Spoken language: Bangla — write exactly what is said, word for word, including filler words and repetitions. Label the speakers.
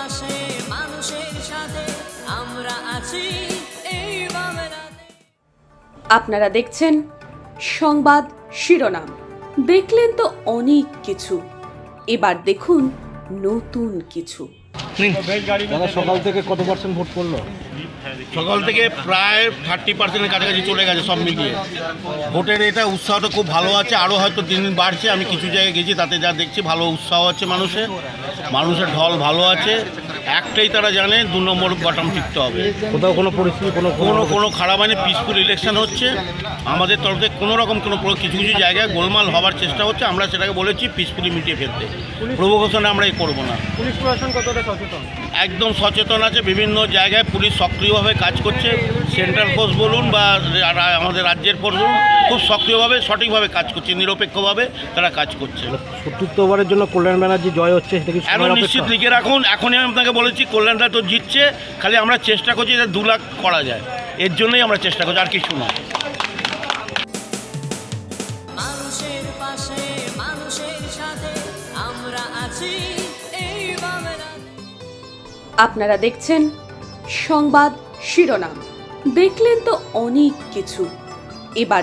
Speaker 1: পাশে মানুষের সাথে আমরা আছি এই বাংলাতে।
Speaker 2: আপনারা দেখছেন সংবাদ শিরোনাম। দেখলেন তো অনেক কিছু, এবার দেখুন নতুন কিছু।
Speaker 3: দাদা, সকাল থেকে কত পার্সেন্ট ভোট পড়লো?
Speaker 4: সকাল থেকে প্রায় থার্টি পার্সেন্টের কাছাকাছি চলে গেছে সব মিলিয়ে। ভোটের এটা উৎসাহটা খুব ভালো আছে, আরও হয়তো দিন দিন বাড়ছে। আমি কিছু জায়গায় গেছি, তাতে যা দেখছি ভালো উৎসাহ আছে মানুষের, মানুষের ঢল ভালো আছে। একটাই তারা জানে, দু নম্বর বটম টিকতে হবে।
Speaker 3: কোথাও কোনো পরিস্থিতি কোনো
Speaker 4: কোনো কোনো খারাপ হয়নি, পিসফুল ইলেকশন হচ্ছে। আমাদের তরফ থেকে কোনো রকম কোনো প্র- কিছু কিছু জায়গায় গোলমাল হওয়ার চেষ্টা হচ্ছে, আমরা সেটাকে বলেছি পিসফুলি মিটিয়ে ফেলতে। প্রভোকেশনে আমরা এই করবো না।
Speaker 3: পুলিশ প্রশাসন কতটা সচেতন?
Speaker 4: একদম সচেতন আছে, বিভিন্ন জায়গায় পুলিশ সক্রিয়ভাবে কাজ করছে। সেন্ট্রাল ফোর্স বলুন বা রা- আমাদের রাজ্যের ফোর্স বলুন, খুব সক্রিয়ভাবে সঠিকভাবে কাজ করছে, নিরপেক্ষভাবে সত্যিত্ব কাজ করছে।
Speaker 3: সত্তরবারের জন্য কল্যাণ ব্যানার্জি জয় হচ্ছে, সেটা কি
Speaker 4: এখন
Speaker 3: সময়ের
Speaker 4: নিশ্চিত
Speaker 3: অপেক্ষা?
Speaker 4: লিখে রাখুন, এখনই আমি আপনাকে বলেছি কল্যাণদা তো জিতছে, খালি আমরা চেষ্টা করছি যে দু লাখ করা যায়, এর জন্যই আমরা চেষ্টা করছি, আর কিছু না।
Speaker 1: মানুষের পাশে মানুষের সাথে আমরা আছি এই বাংলাতে।
Speaker 2: আপনারা দেখছেন সংবাদ শিরোনাম। দেখলেন তো অনেক কিছু, এবার